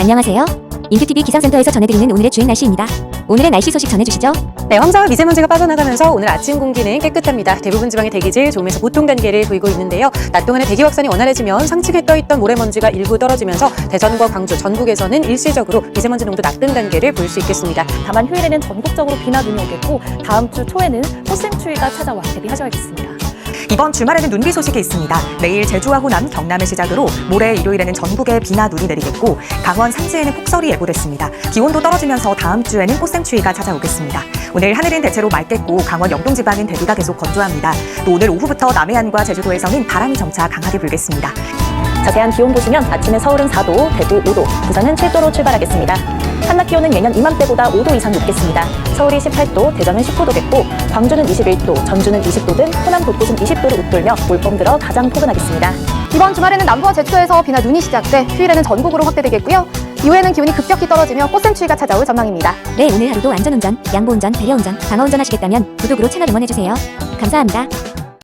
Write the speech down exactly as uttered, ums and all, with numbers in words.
안녕하세요. 인큐티비 기상센터에서 전해드리는 오늘의 주행 날씨입니다. 오늘의 날씨 소식 전해주시죠. 네, 황사와 미세먼지가 빠져나가면서 오늘 아침 공기는 깨끗합니다. 대부분 지방의 대기질 좋으면서 보통 단계를 보이고 있는데요. 낮 동안에 대기 확산이 원활해지면 상층에 떠있던 모래먼지가 일부 떨어지면서 대전과 광주, 전국에서는 일시적으로 미세먼지 농도 낮은 단계를 볼 수 있겠습니다. 다만 휴일에는 전국적으로 비나 눈이 오겠고 다음 주 초에는 꽃샘추위가 찾아와 대비하셔야겠습니다. 이번 주말에는 눈비 소식이 있습니다. 내일 제주와 호남, 경남을 시작으로 모레 일요일에는 전국에 비나 눈이 내리겠고 강원 산지에는 폭설이 예보됐습니다. 기온도 떨어지면서 다음 주에는 꽃샘추위가 찾아오겠습니다. 오늘 하늘은 대체로 맑겠고 강원 영동 지방은 대기가 계속 건조합니다. 또 오늘 오후부터 남해안과 제주도에서는 바람이 점차 강하게 불겠습니다. 자세한 기온 보시면 아침에 서울은 사 도, 대구 오 도, 부산은 칠 도로 출발하겠습니다. 한낮 기온은 예년 이맘때보다 오 도 이상 높겠습니다. 서울이 십팔 도, 대전은 십구 도겠고 광주는 이십일 도, 전주는 이십 도 등 호남 곳곳은 이십 도를 웃돌며 올봄 들어 가장 포근하겠습니다. 이번 주말에는 남부와 제주도에서 비나 눈이 시작돼 휴일에는 전국으로 확대되겠고요. 이후에는 기온이 급격히 떨어지며 꽃샘추위가 찾아올 전망입니다. 네, 오늘 하루도 안전운전, 양보운전, 배려운전, 방어운전 하시겠다면 구독으로 채널 응원해주세요. 감사합니다.